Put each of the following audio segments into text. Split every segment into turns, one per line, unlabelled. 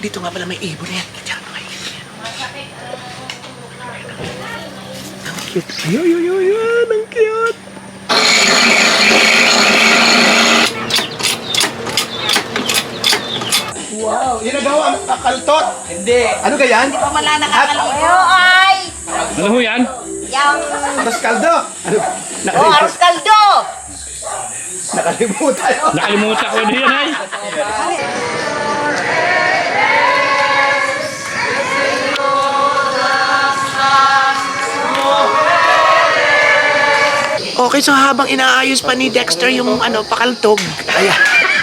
Dito nga pala may ibon yan. Diyan mga ibon yan. Ang cute. Ayun. Ang cute. Wow, yun nagawa ang kakaltot. Hindi. Ano ka yan?
Hindi pa mala nakakaligo. Ay!
Ano ho yan?
Yang...
Aros kaldo. Ano?
Oh, arroz kaldo!
Nakalimutan.
Nakalimutan ko na yan ay.
Okay, so habang inaayos pa ni Dexter yung pakaltog. Ayan.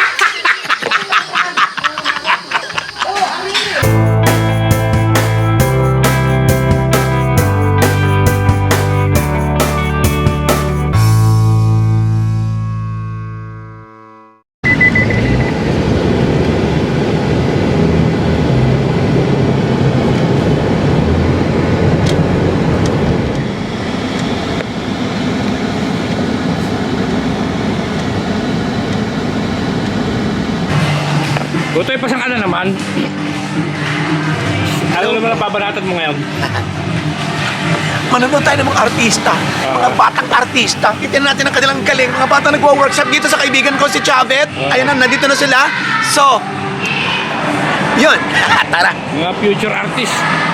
Butoy pa siyang ano naman. Ano naman ang babanatan mo ngayon?
Manonood tayo ng mga artista, mga batang artista. Itin natin ang kanilang galing. Mga batang nagwa-workshop dito sa kaibigan ko si Chavez. Ayun na, nandito na sila. So, yun. Tara.
Mga future artist.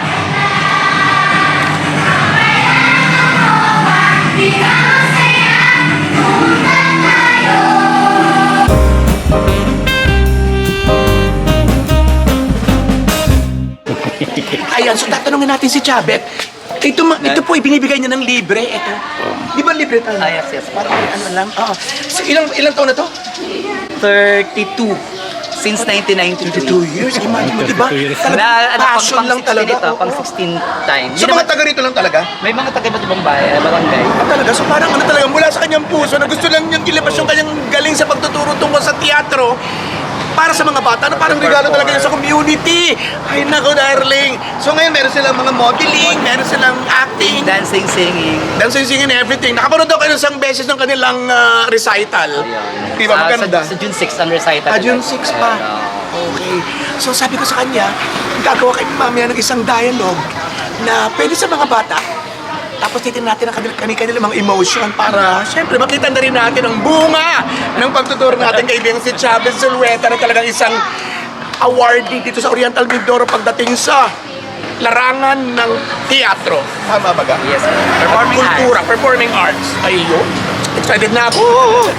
Ayan, so tatanungin natin si Chavez. Ito po, ibinibigay niya ng libre. Ito. Di ba libre tayo?
Yes.
Parang ano lang. So, ilang taon na to?
32. Since 1992.
2 years. Imagine mo, di ba?
32 years.
Talagang passion lang talaga.
Ito, pang 16 times.
So, mga taga rito lang talaga?
May mga taga-iba't ibang bayan, barangay.
Talaga? So, parang talaga, mula sa kanyang puso na gusto lang niyang ilabas yung kanyang galing sa pagtuturo tungkol sa teatro para sa mga bata na parang regalo talaga yun sa community. Ay, nako, darling. So, ngayon, meron silang mga modeling, meron silang acting,
Dancing, singing.
dancing, singing, everything. Nakapanood ako ng isang beses ng kanilang recital. Di ba? Maganda.
Sa June 6 ang recital.
June 6 pa. Okay. So sabi ko sa kanya, gagawa kayo mamaya ng isang dialogue na pwede sa mga bata. Tapos titignan natin ang kanilang mga emotion para, syempre, makita na rin natin ang bunga ng pagtuturo natin kaibigan si Chavez Zulueta na talagang isang awardee dito sa Oriental Mindoro pagdating sa larangan ng teatro. Tama ba ga?
Yes.
Performing kultura, performing arts. Ayun. Excited na ako.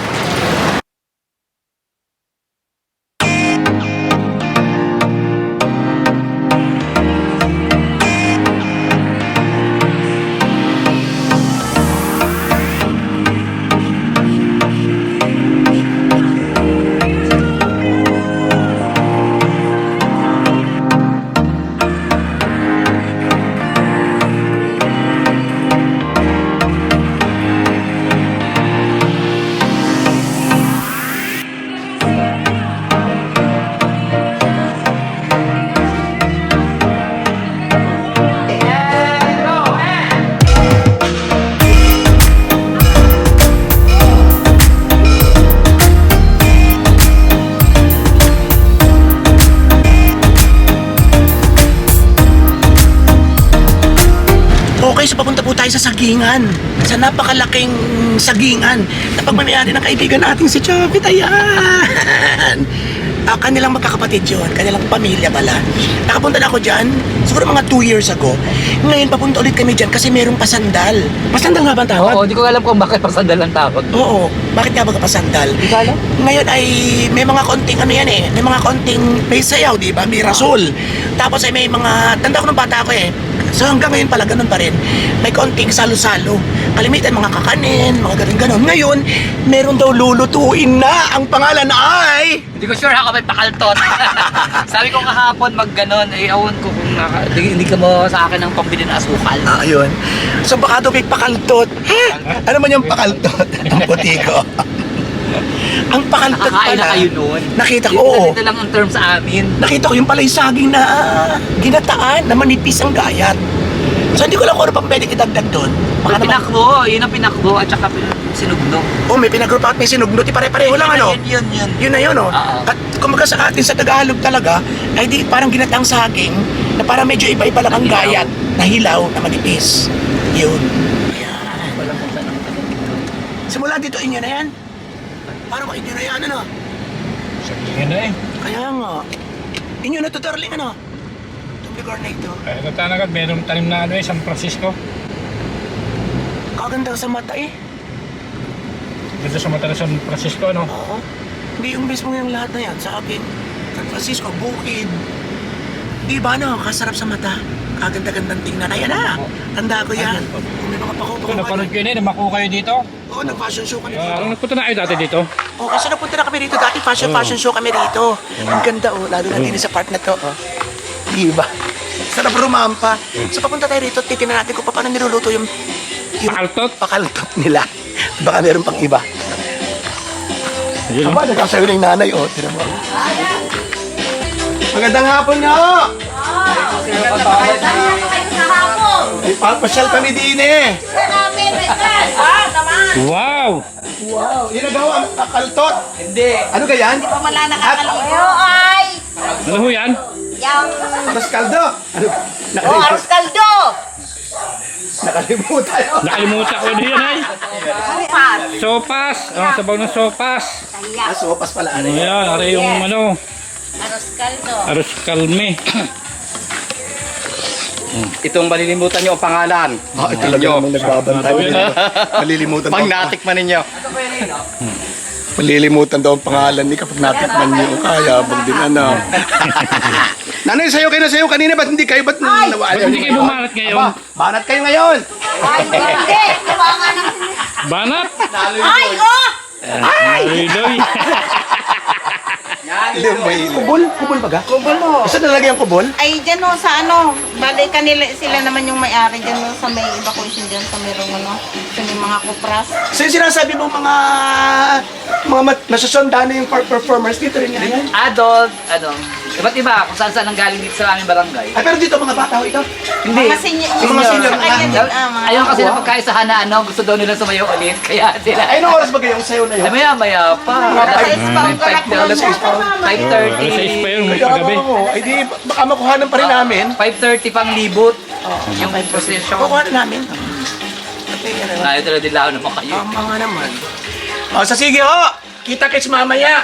Okay, so papunta po tayo sa sagingan. Sa napakalaking sagingan na pagmamayari ng kaibigan natin si Chavez. Ayan! Kanilang magkakapatid yun, kanilang pamilya pala. Nakapunta na ako dyan, siguro mga 2 years ago. Ngayon, papunta ulit kami dyan kasi merong pasandal. Pasandal nga ba ang tawag?
Oo, di ko alam kung bakit pasandal ang tawag.
Oo, bakit nga ba pasandal?
Di ko alam.
Ngayon ay may mga konting may mga konting may sayaw, di ba? May rasol. Tapos ay may mga, tanda ko nung bata ako eh. So hanggang ngayon pala, ganun pa rin. May konting salo-salo. Kalimitan, mga kakanin, mga ganun-ganun. Ngayon, meron daw lulutuin na. Ang pangalan ay...
Hindi ko sure ako may pakaltot. Sabi ko kahapon mag-ganon, awon ko kung hindi ka mo sa akin ng pambili ng asukal.
Ayun. So baka daw may pakaltot. Ano man yung pakaltot? Ang puti ko. Ang pakaltot
Nakakain
pala.
na kayo noon.
Nakita ko, oo.
Ito lang ang term sa amin.
Nakita ko yung pala yung saging na ginataan, na manipis ang gayat. So hindi ko alam kung ano pang pwedeng idagdag doon. Baka naman,
Pinakbo, yun ang pinakbo at saka sinugno.
oh may pinagrup at may sinugno, di pare-pareho lang ano.
Yun.
Yun na yun, oh.
Oo.
At kumaga sa atin sa Tagalog talaga, ay di parang ginatang saging na parang medyo iba-iba lang ang gayat na hilaw na manipis. Yun. Ayan. Simula dito, inyo na yan. Parang inyo na yan, ano?
Yan na eh.
Kaya nga. Inyo na to, darling, ano? Itong lugar na ito.
Ay, ito talaga, meron tanim na ano eh, San Francisco.
Kaganda sa mata eh.
Dito sa mata ng San Francisco, ano?
Oo. Hindi yung mismo yung lahat na yan sa akin. San Francisco, bukid. Di ba no? Kasarap sa mata. Kaganda-gandang tingnan. Ayan na. Tanda ko yan. Kung may mga
Ito, napanood ko yun eh, namako kayo dito.
Oo, nag-fashion show kami dito.
Anong nagpunta na kayo dati dito?
Oo, kasi napunta na kami dito dati. Fashion show kami dito. Ang ganda oh. Lalo na din sa part na to. Oh. Di ba? Sarap rumampa. So papunta tayo rito. Titignan natin kung paano niluluto yung
Pakaltot?
pakaltot nila. Baka meron pang iba.
Yun,
Aba, nagkasayo ng nanay, oh. Tira mo. Magandang hapon nga, oh.
Saan na kayo sa hapon?
Ay, papasyal kami din, eh.
Saan namin, Rekas? Naman.
Wow!
Wow, yun na daw ang pakaltot.
Hindi.
Ano ka yan?
Pa wala nakakaligo. Ay!
Ano ho yan?
Yang...
Aros kaldo. Ano?
Oh, arroz caldo!
Nakalimutan.
Nakalimutan ko din yan ay.
Sopas.
Sopas! Oh, sabaw ng sopas.
Kaya.
Sopas pala, ano yan?
Ayan, ari yung ano,
Arroz caldo.
aros kalme.
Itong malilimutan nyo ang pangalan.
Ah, ito lang namang nagbabantay. Malilimutan
Pag
daw.
natikman ninyo.
Malilimutan daw ang pangalan ni kapag natikman niyo. Kaya, bang din ano. Nanay, sayo kayo na sayo kanina. Ba't hindi kayo? Ba't nawala?
Ba't hindi kayo bumanat ngayon?
Aba, banat kayo ngayon.
Ay, hindi. Tawangan ng...
Banat!
Ay, oh!
Liloy!
Kubol? Kubol baga?
Kubol mo.
Saan nalagay ang kubol?
Ay, dyan o, sa ano, bali kanila, sila naman yung may-ari dyan o, sa may evacuation dyan, sa mayroong ano, sa may mga kupras.
So yung sinasabi mo mga nasusunda na yung performers dito rin yan.
Adult, ano, iba't iba kung saan ang galing dito sa aming barangay.
Ay, pero dito mga bata ho ito.
Hindi.
Mga senior.
Yung mga senior
Sa kanya
na.
din, mga...
Ayun kasi na pagkaisahan na ano, gusto daw nila sumayo ulit. Kaya sila,
Ay, anong oras ba kayong sayo na
ay
yun?
maya pa.
Alas 6 pa ang kalak doon.
Alas 6 pa.
5:30.
Alas 6 pa yun, may
Kaya
paggabi.
ako, ay di, baka makuhanan pa rin namin.
5:30 pang libot. Yung procession.
Kukuhanan namin. Kasi, ano,
Ayaw talaga din lao naman kayo.
tama nga naman. O, sa sige ho! Kita kits mamaya!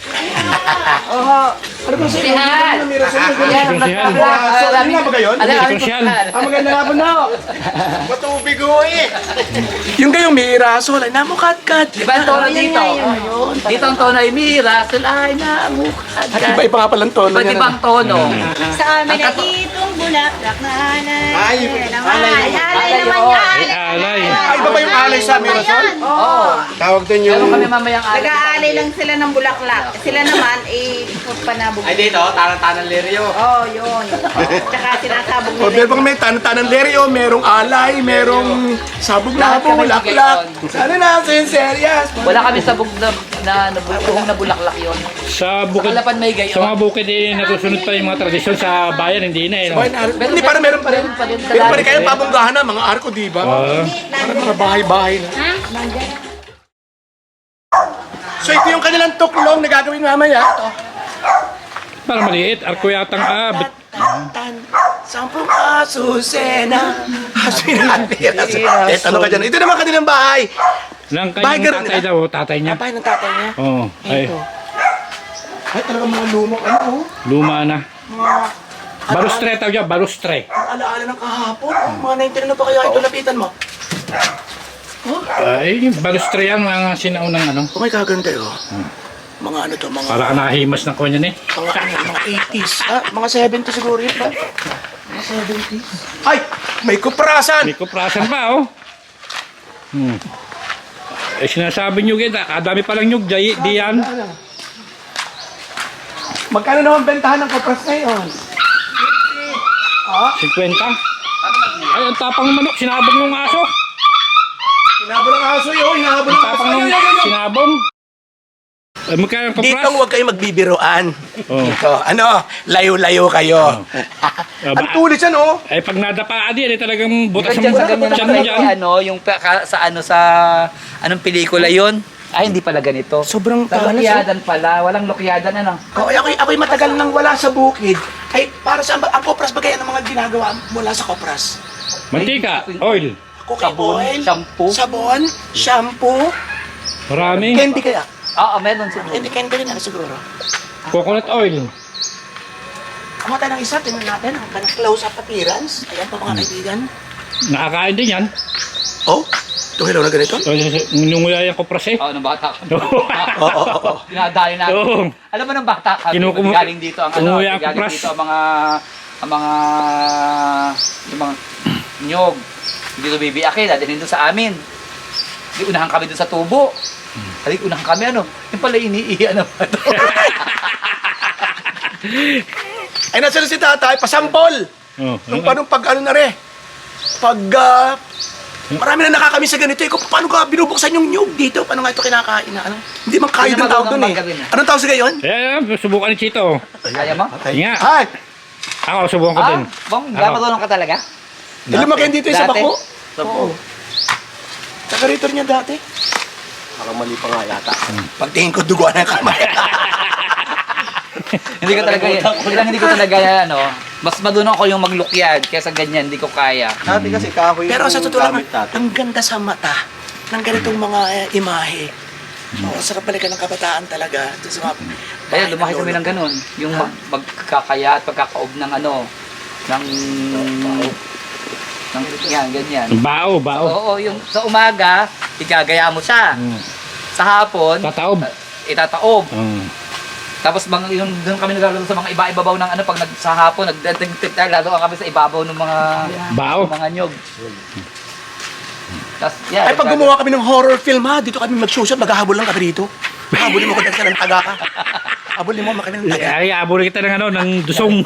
Ano ba sa'yo?
Sihan!
Ano ba sa'yo?
Sihan.
So, ano nga ba gayon?
Sosyal.
Maganda nga po na. Matubig ho eh. Yung kayong may iraso, ay namukat-kat.
Di ba ang tono dito? Dito ang tono ay mira, sulay na mukad.
At iba-iba nga palang tono
Iba't
niya.
ibang tono.
Sa amin ay itong bulaklak na alay.
Ay,
Alay naman yan.
Alay.
Ay, iba ba yung alay sa amin, Rasol?
Oo.
Tawag din yung...
Meron kami mamayang alay.
Nag-aalay lang sila ng bulaklak. Sila naman, ikot pa na
Ay dito, tanang-tanang leryo.
Oh, yun. Tsaka sinasabog
O,
nila.
meron may tanang leryo, merong alay, merong sabog na
Lahat kami
bulaklak.
bigay
Sana natin, serious.
Wala kami sabog na bulaklak yun.
Sa bukid,
Kalapan may gayon.
sa mga bukid eh, natusunod pa yung mga tradisyon sa bayan, hindi na eh. No?
Hindi, parang meron pa rin. Meron pa rin kayo pabunggahan na, mga arko, di ba? Parang mga bahay-bahay na. So ito yung kanilang tuklong na gagawin mamaya. Ito.
Parang maliit, arko yatang abit.
Tan, sampung asusena. Asusena. Ito ano ka dyan. Ito naman kanilang bahay.
Lang
Bahay
kanyang
ganun
tatay
nila?
daw, tatay niya.
Bahay ng tatay niya.
Oo, ay,
Ito. Ay, talagang mga lumang ano, oh.
luma na.
Mga
Balustre tawag niya, balustre.
alaala ng kahapon. Oh, mga 19 na ba kaya ito lapitan mo?
Ay, balustre yan, mga sinaunang ano.
Okay, kaganda yun. Mga ano to, mga...
Para ka nakahimas ng kanya ni.
Mga ano, mga 80s. Ah, mga 70 siguro yun ba? Mga 70s. Ay! May kuprasan!
May kuprasan pa, oh. Eh, sinasabi nyo kita, kadami palang nyug, di yan.
Magkano naman bentahan ng kupras ngayon?
50. Ay, ang tapang manok, sinabong yung aso.
Hinabol ang aso yun, hinabol ang aso.
Tapang
Ayun,
ng
ayun, ayun.
sinabong. Magkano ang
Dito
kapras?
huwag kayong magbibiroan.
Oh.
Dito, ano, layo-layo kayo. Ang tulis yan, oh.
Ay, pag nadapaan din, ay talagang butas
Diyan sa ganyan
tiyan mo
naman
dyan.
ano, yung sa anong pelikula yun? Ay, hindi pala ganito.
Sobrang
Sa
talas,
lokyadan pala, walang lokyadan ano.
Oh, ako'y matagal nang wala sa bukid. Ay, para sa ang kopras ba kaya ng mga ginagawa mula sa kopras?
Mantika, oil.
Cooking
Sabon,
oil,
shampoo.
sabon, shampoo,
Marami.
candy kaya?
Oo, meron siguro.
Candy rin ano siguro.
Coconut oil.
Kumuha tayo ng isa, tingnan natin. Ang kanang close-up appearance. Ayan po mga kaibigan.
Nakakain din yan.
Oh, tuhilaw na ganito?
Nunguya yung kapras eh.
Oo, nung bata ka.
Oo.
Dinadayo natin.
Oo.
Alam mo nung bata ka,
Kinukumu-
galing dito ang ano,
Umuwi ang
galing
kupras.
dito ang mga nyog. Dito bibiyakin, dadalhin doon sa amin. Di unahan kami doon sa tubo. Halik, unahan kami ano. Yung pala iniiyan naman.
Ay, nasa na si tatay, pasampol.
Oh,
Nung paano pag ano na rin. Pag, marami na nakakami sa ganito. Kung paano ka binubuksan yung nyug dito? Paano nga ito kinakain na ano? Hindi man kayo
Hindi
ng
naman
tawag
daw
dun
ng
eh.
magaling eh.
Anong tawag sa gayon?
Ayan, subukan ni Chito.
Kaya mo?
Nga.
Ay,
Ako, subukan ko din.
Bang,
Ako.
marunong ka talaga?
lumakihan dito yung sa
Dati?
bako. Oo. Taga rito niya dati.
Parang mali pa nga yata.
Pagtingin ko, duguan na kamay.
Hindi ko talaga hindi ko talaga ano. Mas madunong ko yung maglukyad kaysa ganyan, hindi ko kaya.
Dati kasi kahoy
Pero sa
yung
totoo lang,
gamit natin.
ang ganda sa mata ng ganitong mga imahe. Oo, sarap balikan ng kabataan talaga. Ito sa mga
Kaya lumaki kami ng ganun. Yung magkakaya at pagkakaob ng ano, ng yan, ganyan.
Bao, bao.
Oo, yung sa umaga, igagaya mo siya.
Mm.
Sa hapon,
Tataob.
itataob.
Mm.
Tapos yung doon kami naglalaro sa mga iba-ibabaw ng ano pag sa hapon nagdating lalo kami sa ibabaw ng mga
Bao.
mga nyog. Tapos yeah,
Ay, pag gumawa kami ng horror film ha, dito kami mag-shoot, maghahabol lang kami dito. Habulin mo ko dahil ng taga ka. Habulin mo kami ng taga.
Ay, abuli kita ng ano, ng dusong.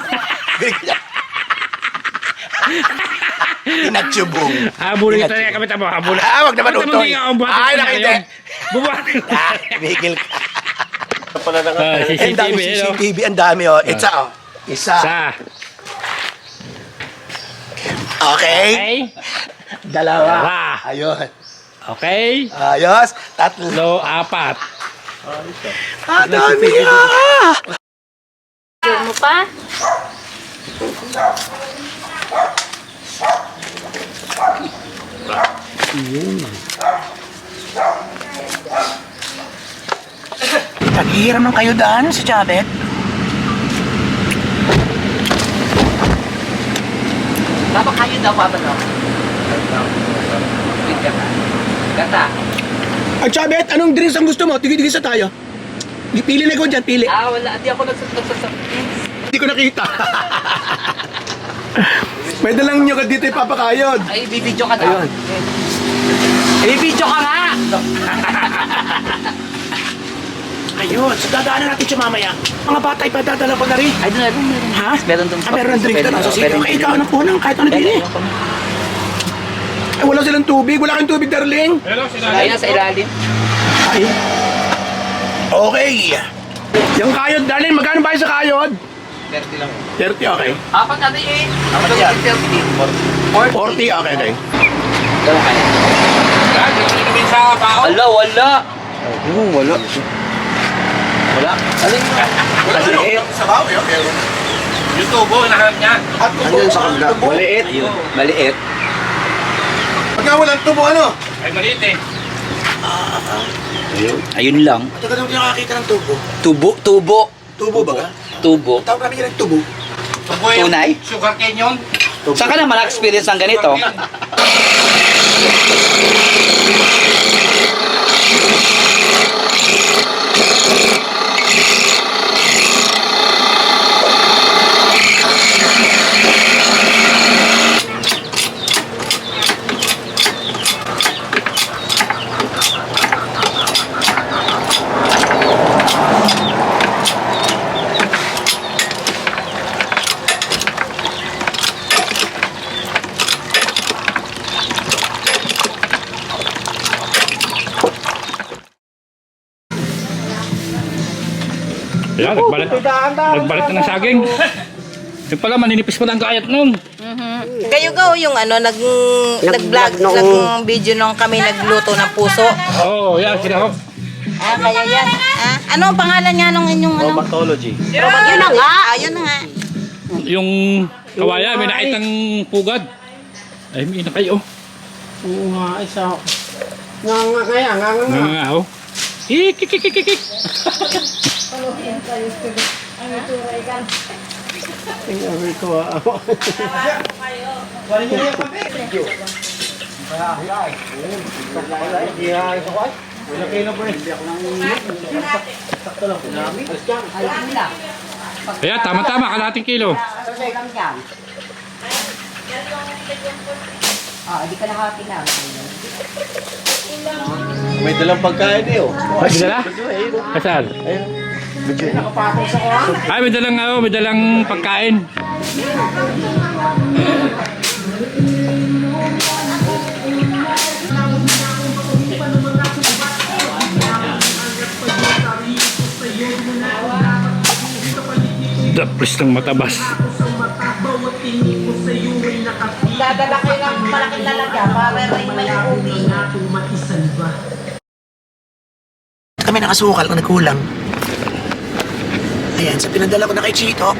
Inatsubong.
Abuli kita ng kami tamo, abuli.
Ah, wag naman utoy. Ay, nakita.
Bubuhatin ko.
Ah, tumigil ka.
Pala na nga.
Eh, ang dami
CCTV, no?
CCTV, ang dami oh. Isa oh. Isa.
Sa.
Okay.
Okay.
Dalawa.
Dalawa.
Ayun.
Okay.
Ayos. Tatlo.
So, apat.
Ah, dami ah.
Mo pa?
Naghihiram ng kayo daan si Chabet.
Dapat kayo daw pa ba no? Ganda.
Ay, Chabet, anong drinks ang gusto mo? Tigil-tigil sa tayo. Pili na ko dyan, pili.
Ah, wala. Hindi ako nagsasab.
Hindi ko nakita. Pwede lang nyo ka dito ipapakayod.
Ay, bibidyo ka daw. Bibidyo ka nga!
Ayun, so dadaanan natin siya mamaya. Mga bata ipadadala ko na rin.
Ay, doon, meron.
Ha?
Meron doon.
Ah, meron ng drink na so sige.
Pwede.
Okay, ikaw na po nang kahit ano din eh. Ay, wala silang tubig. Wala kang tubig, darling.
Hello,
Ayun, sa ilalim.
Ay. Okay. Yung kayod, darling, magkano ba yung sa kayod?
30 lang.
30, okay.
Apat natin eh.
Apat yan.
40.
40, okay, okay.
Ganun kaya.
kami sa bao.
Wala, wala.
Wala. Wala.
Alin mo?
Maliit.
Sabaw, okay.
Yung tubo, nahanap niya.
At tubo.
Andyan sa kabila. Maliit. Maliit.
Pagka walang tubo, ano?
Ay, maliit eh.
Ayun lang.
Matagal naman nakakita ng tubo.
Tubo.
Tubo ba ka?
Tubo.
Tawag namin yan ng tubo.
Tubo yung
Tunay?
sugar cane yun.
Saan ka naman na-experience ng ganito?
Ayan, nagbalit na ng saging. Yung pala, maninipis pa ng gayat nun.
Kayo go yung nag-vlog, nag-video nung kami nagluto ng puso.
Oo, yan, sinahog.
Kaya yan. Ano ang pangalan niya nung inyong ano?
Pathology.
Yun na nga. Yun na nga.
Yung kawaya, may nakitang pugad. Ay, may na kayo.
Oo nga, isa. Nga kaya, nga.
Nga, oh. Kik.
Tingnan ko ako.
Ayan, tama-tama, kalahating kilo.
May dalang pagkain eh oh.
Ay, may dala? Kasal? Ay, may dalang pagkain. Dapris ng matabas.
Dadala kayo ng malaking lalagyan para may ubi.
Kami nakasukal kung nagkulang. Ayan, sa pinadala ko na kay Chito.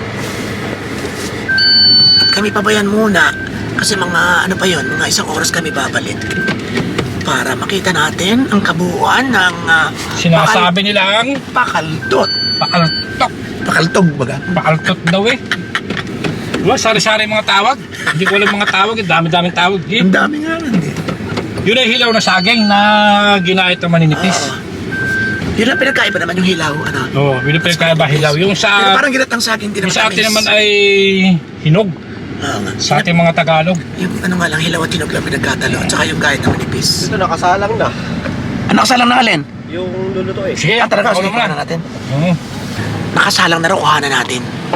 At kami pabayan muna. Kasi mga ano pa yun, mga 1 oras kami babalik. Para makita natin ang kabuuan ng
Sinasabi nilang
pakaltot.
pakaltok.
Pakaltog baga.
Pakaltot daw eh. Diba, sari-sari mga tawag. Hindi ko alam mga tawag, dami-daming tawag. Eh.
Ang dami nga nun eh.
Yun ay hilaw na saging na ginahit na maninipis.
Yun ang pinagkaiba naman yung hilaw. Ano?
Oo, binipil kaya ba hilaw? Yung
Pero
sa,
parang ginatang sa akin din
yung sa atin naman ay hinog.
Oo nga.
Sa ating mga Tagalog.
Yung ano nga lang, hilaw at hinog lang pinagkatalo. At saka yung kahit na manipis.
Ito nakasalang na.
Ano nakasalang na alin?
Yung luluto eh.
Sige,
Talaga, sige,
kuhanan mo
kuhanan natin.
Oo.
Nakasalang na raw, kuhanan natin.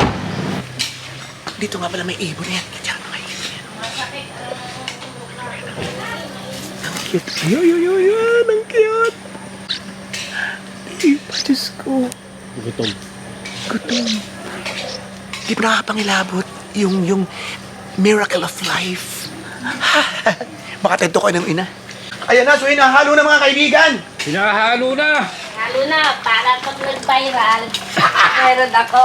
Dito nga pala may ibon yan. Diyan mga ibon yan. Ang cute. Ayun. Ang cute. Ay, Diyos ko.
Gutom.
Di ba nakakapangilabot yung miracle of life? Baka tento ko ng ina. Ayan na, so hinahalo na mga kaibigan.
Hinahalo na.
Lalo na, para pag nag-viral, meron ako.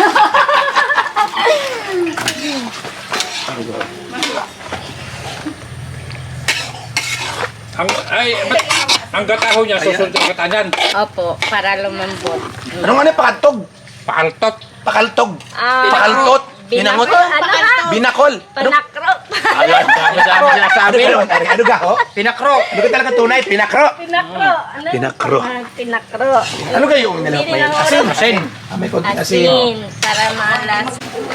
Ang gataho niya, susunod ang gata niyan.
Opo, para lumambot.
Ano nga na, pakatog?
Pakaltot.
Pakaltog.
Ah,
Pakaltot. Binangot.
Ano ka?
Binakol. Ano?
Panakro.
Ayan, dami-dami sinasabi.
Ano ga, ho?
Pinakro.
Ano ka talaga tunay? Pinakro.
Pinakro. Ano?
Pinakro.
Pinakro.
Ano kayo yung nilawak na yun? Asin.
Asin.
May konting asin.
Asin. Para maalas.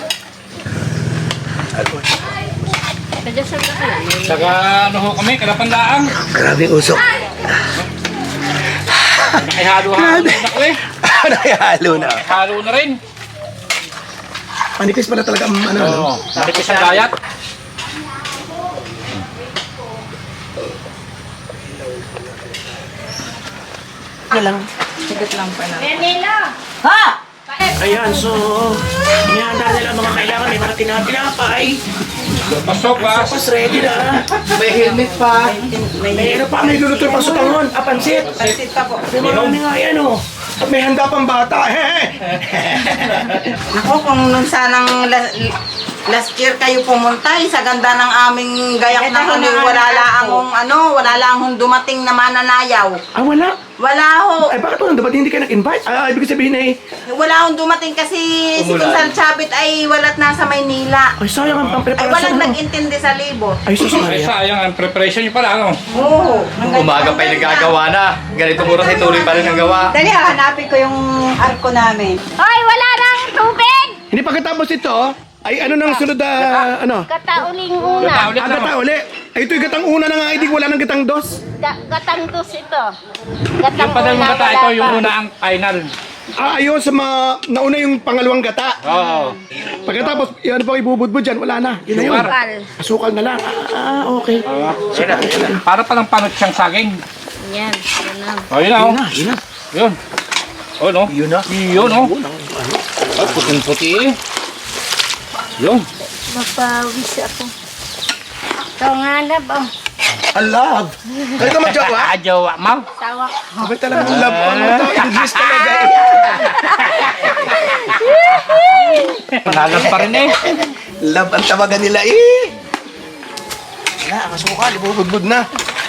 Kaya saan ka lang?
Saka ano ho kami, kalapandaang.
Grabe yung usok.
Nakihalo-halo na ko eh.
Nakihalo na.
Halo na rin.
Manipis pala talaga ang ano.
Oo. Nakipis ang gayat.
Ano lang.
Manila!
Ayan, so, inihanda nila ang mga kailangan. May mga tinapay.
Pasok ba?
Tapos ready na.
May helmet pa.
May ano pa, may luluto yung pasutangon. Pansit.
Pansit pa po.
May marami nga yan, oh. At may handa pang bata.
Ako, kung nung sanang last year kayo pumunta, sa ganda ng aming gayak na wala lang dumating na mananayaw.
Ah, wala.
Wala ho.
Ay, bakit walang dapat hindi ka nag-invite? Ah, ibig sabihin ay,
Wala akong dumating kasi si Kunsal Chabit ay walat nasa Maynila.
ay sayang ang
Ay
preparasyon.
walang
ano?
nag-intindi sa libot.
Ay, sus
Ay
Maria.
sayang ang preparation niyo pala, ano?
Oo.
Umaga pa yung nagagawa na. Ganito mura si tuloy pa rin ang gawa.
Dali, hanapin ko yung arko namin.
Hoy, wala nang tubig!
Hindi pagkatapos ito, ay ano nang sunod na, ano?
Katauling una.
Ulit na.
Agata uli. Ay, ito'y gatang una na nga, hindi wala nang gatang dos.
Gatang dos ito. Gatang
Yung padal
una,
mga gata,
wala
ito yung
pa.
una ang final.
Ah, ayun, sa nauna yung pangalawang gata.
Oo.
Pagkatapos, yan pa ibubudbud dyan, wala na. Yun na yun.
Sukal.
Asukal na lang. Ah, okay.
Para palang panot siyang saging.
Yan, yan na.
O, yun na,
Yun
oh.
na, yun na.
Yun. Oh, no?
Yun na.
Yun, no?
Yun ang ano.
Ay, puting-puti eh. Yun.
Mapawis ako. Ito nga na ba?
I love. Kaya ka magjawa?
Jowa, ma'am.
Tawa.
Abay talaga ang love. Ano to? English talaga.
Panalas pa rin eh.
Love ang tawagan nila eh. Wala, ang asukal. Ibubudbud na.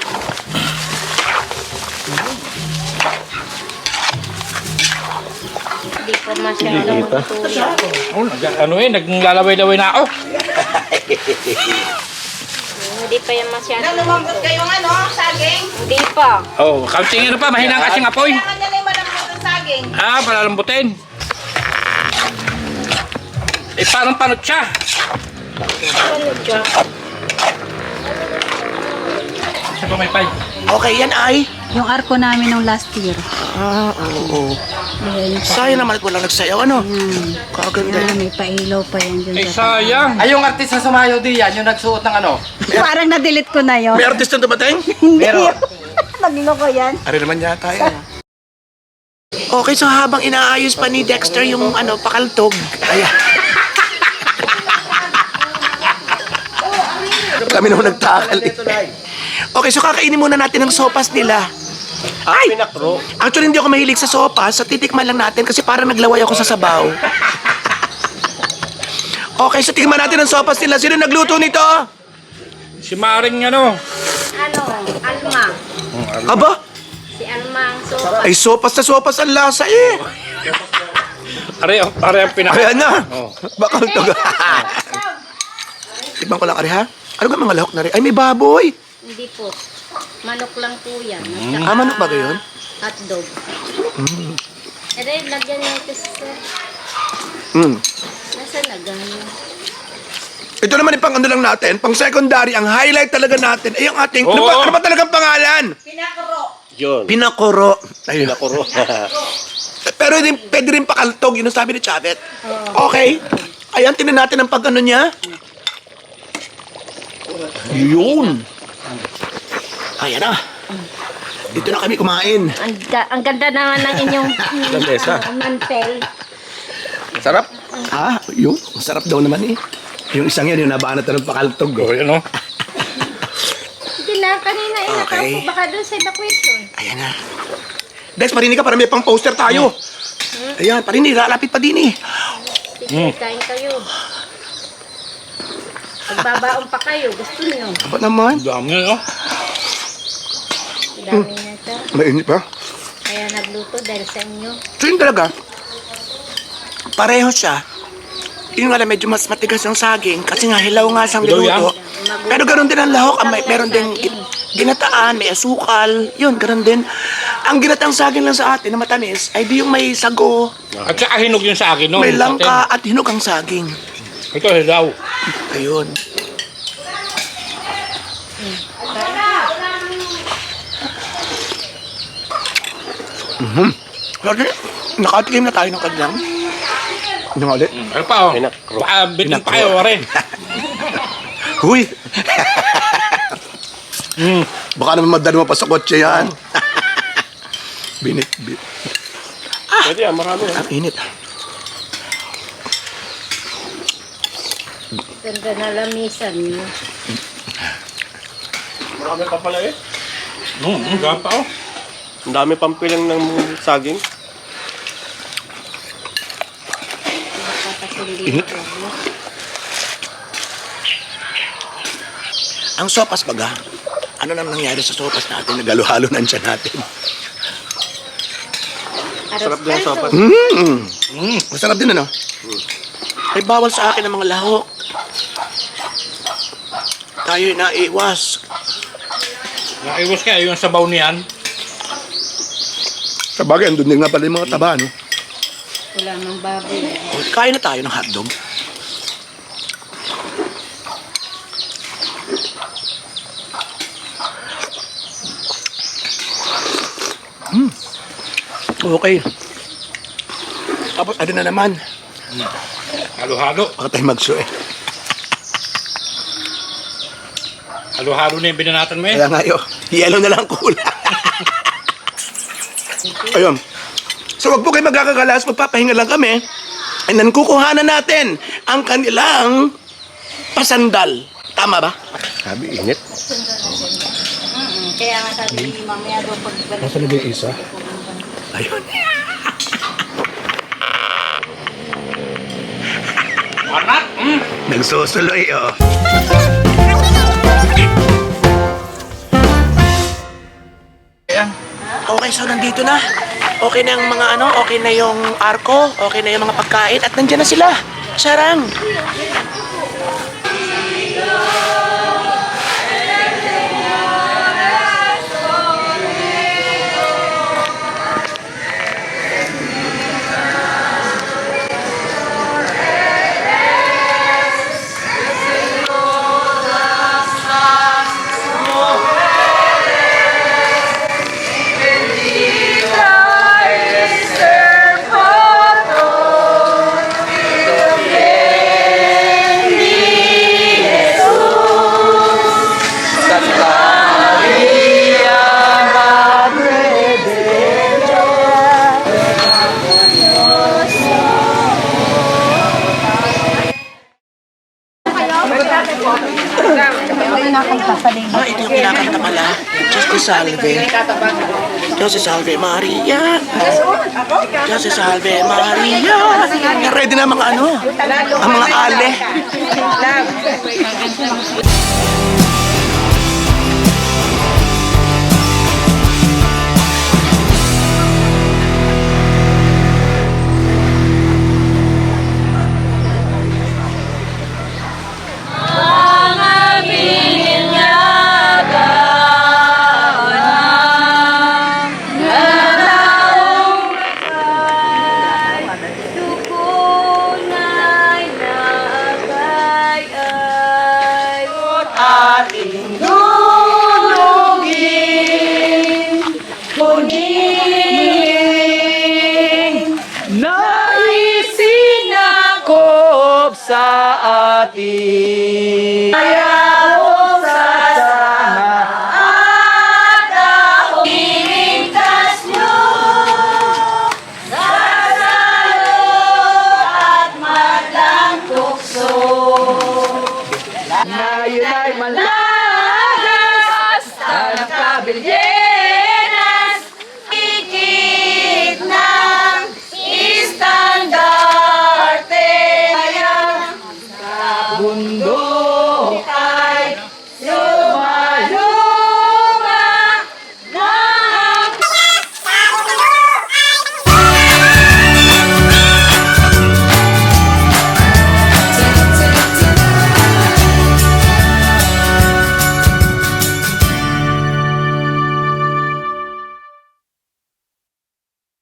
Hindi ko masyadong matuloy.
Oh, ano eh, naglalaway-laway na ako.
Hindi pa yan masyadong
Nalumambot kayong ano, saging.
Hindi pa.
Oh, kaunting ano pa, mahinang kasing apoy.
Kailangan nyo na yung malambot ng saging.
Ah, palalambutin. Eh, parang panot siya.
Ano dyan?
Siya pa may pay.
Okay, yan ay.
Yung arko namin nung last year.
Oo. Sayang naman at walang nagsayaw, ano? Kaganda.
May pailaw pa yan dyan.
Eh, sayang.
Ay, yung artist na sumayaw diyan, yung nagsuot ng ano.
Parang na-delete ko na yun.
May artist na dumating?
Pero,
Nagloko yan.
Ari naman yata yan. Okay, so habang inaayos pa ni Dexter yung ano, pakaltog. Ayan. Kami naman nagtakal eh. Okay, so kakainin muna natin ang sopas nila. Ay! Actually, hindi ako mahilig sa sopas. So, titikman lang natin kasi parang naglaway ako sa sabaw. Okay, so tikman natin ang sopas nila. Sino nagluto nito?
Si Maring ano.
Ano? Alma.
Aba?
Si Alma ang sopa.
Ay, sopas na sopas ang lasa eh.
Are ang pinaka.
Ayan na. Pakaltog. Tikman ko lang, Ari, ha? Ano ka mga lahok na rin? Ay, may baboy.
Hindi po. Manok lang po yan.
Ah, manok ba gayon?
Hotdog. Eh, dahil lagyan niyo ito sa... Nasa lagyan?
Ito naman yung pang ano lang natin, pang secondary, ang highlight talaga natin ay yung ating,
Oo.
ano ba talagang pangalan? Pinakuro. Ayun. Pinakuro. Pero din, pwede rin pakaltog, yun ang sabi ni Chavet. Okay. Ayan, tinan natin ang pag ano niya. Yun. Ayan na. Dito na kami kumain.
Ang ganda naman ng inyong mantel.
sarap.
Ah, yun. Masarap daw naman eh. Yung isang yan, yung nabanat na ng pakaltog.
Oh, yun, no?
Hindi na, kanina
Okay.
nakaupo baka doon sa evacuation.
Ayan na. Dex, parinig ka para may pang poster tayo. Ayan, parinig, lalapit pa din eh.
Sige, kain kayo. Magbabaon pa kayo, gusto niyo.
Ba naman?
Dami na, no?
Dami na ito.
Mainit pa.
Kaya nagluto dahil sa inyo.
So yun talaga, pareho siya. Yun nga lang, medyo mas matigas yung saging kasi nga hilaw nga siyang
Hilaw
niluto. Pero ganoon din ang lahok, meron din ginataan, may asukal, yun, ganoon din. Ang ginataang saging lang sa atin na matamis ay di yung may sago,
At saka hinog yun sa akin, no?
may
Yung
langka at hinog ang saging.
atin. Ito, hilaw.
Ayun. Lagi, nakatikim na tayo ng kanyang. Ano nga ulit?
Ano pa, oh? Baka bitin pa kayo, rin.
Huy! Baka naman madali mo pa sa kotse yan. Binit.
Pwede yan, marami.
Ang init.
Ganda na lamisan niyo.
Marami pa pala eh.
Gapa, oh.
Ang dami pang pilang ng saging.
Init. Ang sopas baga, ano nang nangyari sa sopas natin? Nagalo-halo na siya natin.
Sarap din ang sopa.
Masarap din ano? Ay bawal sa akin ang mga lahok. Tayo naiwas.
Naiwas kaya yung sabaw niyan.
Sa bagay, andun din nga pala yung mga taba, no?
Wala nang baboy.
Kain na tayo ng hotdog. Okay. Tapos, ano na naman?
Halo-halo.
Baka tayo mag-show eh.
Halo-halo na yung binanatan mo eh.
Kaya nga yun, yellow na lang kulay. Ayun. So wag po kayo magkakagalas, magpapahinga lang kami. And then kukuhanan natin ang kanilang pasandal. Tama ba?
Sabi, init.
Kaya nga sabi, mamaya daw pagbalik.
Nasaan na yung isa?
Ayun. Nagsusuloy, oh. Okay, so nandito na. Okay na yung mga okay na yung arko, okay na yung mga pagkain, at nandiyan na sila. Sarang. Ah, ito yung kinakanta pala. Diyos te salve. Diyos te salve Maria. Diyos te salve Maria. Ready na mga ang mga ale.
Naisinakop sa atin.